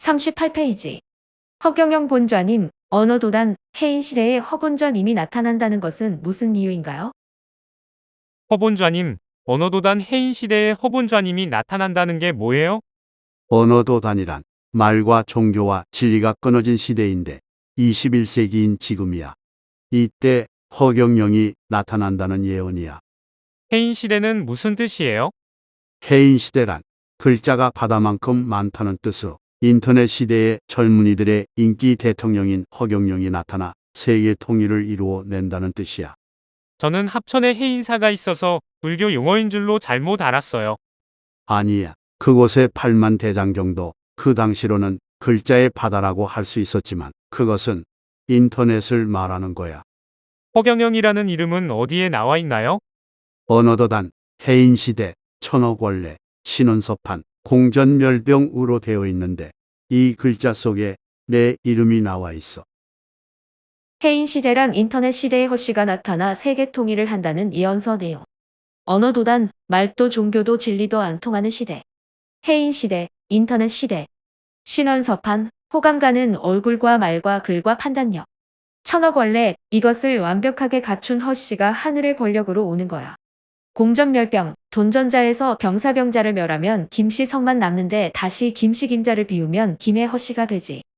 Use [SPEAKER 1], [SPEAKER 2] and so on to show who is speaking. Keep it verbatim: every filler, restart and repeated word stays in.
[SPEAKER 1] 삼십팔 페이지. 허경영 본좌님, 언어도단, 해인시대에 허본좌님이 나타난다는 것은 무슨 이유인가요?
[SPEAKER 2] 허본좌님, 언어도단 해인시대에 허본좌님이 나타난다는 게 뭐예요?
[SPEAKER 3] 언어도단이란 말과 종교와 진리가 끊어진 시대인데 이십일 세기인 지금이야. 이때 허경영이 나타난다는 예언이야.
[SPEAKER 2] 해인시대는 무슨 뜻이에요?
[SPEAKER 3] 해인시대란 글자가 바다만큼 많다는 뜻으로 인터넷 시대의 젊은이들의 인기 대통령인 허경영이 나타나 세계 통일을 이루어 낸다는 뜻이야.
[SPEAKER 2] 저는 합천에 해인사가 있어서 불교 용어인 줄로 잘못 알았어요.
[SPEAKER 3] 아니야. 그곳에 팔만 대장 정도, 그 당시로는 글자의 바다라고 할 수 있었지만 그것은 인터넷을 말하는 거야.
[SPEAKER 2] 허경영이라는 이름은 어디에 나와 있나요?
[SPEAKER 3] 언어도단, 해인시대, 천억원래, 신원서판, 공전멸병으로 되어 있는데 이 글자 속에 내 이름이 나와 있어.
[SPEAKER 1] 해인시대란 인터넷 시대의 허씨가 나타나 세계 통일을 한다는 예언서 내용. 언어도단, 말도 종교도 진리도 안 통하는 시대. 해인시대, 인터넷 시대. 신원서판, 호감가는 얼굴과 말과 글과 판단력. 천억원래, 이것을 완벽하게 갖춘 허씨가 하늘의 권력으로 오는 거야. 공전멸병, 돈전자에서 병사병자를 멸하면 김씨 성만 남는데 다시 김씨 김자를 비우면 김의 허씨가 되지.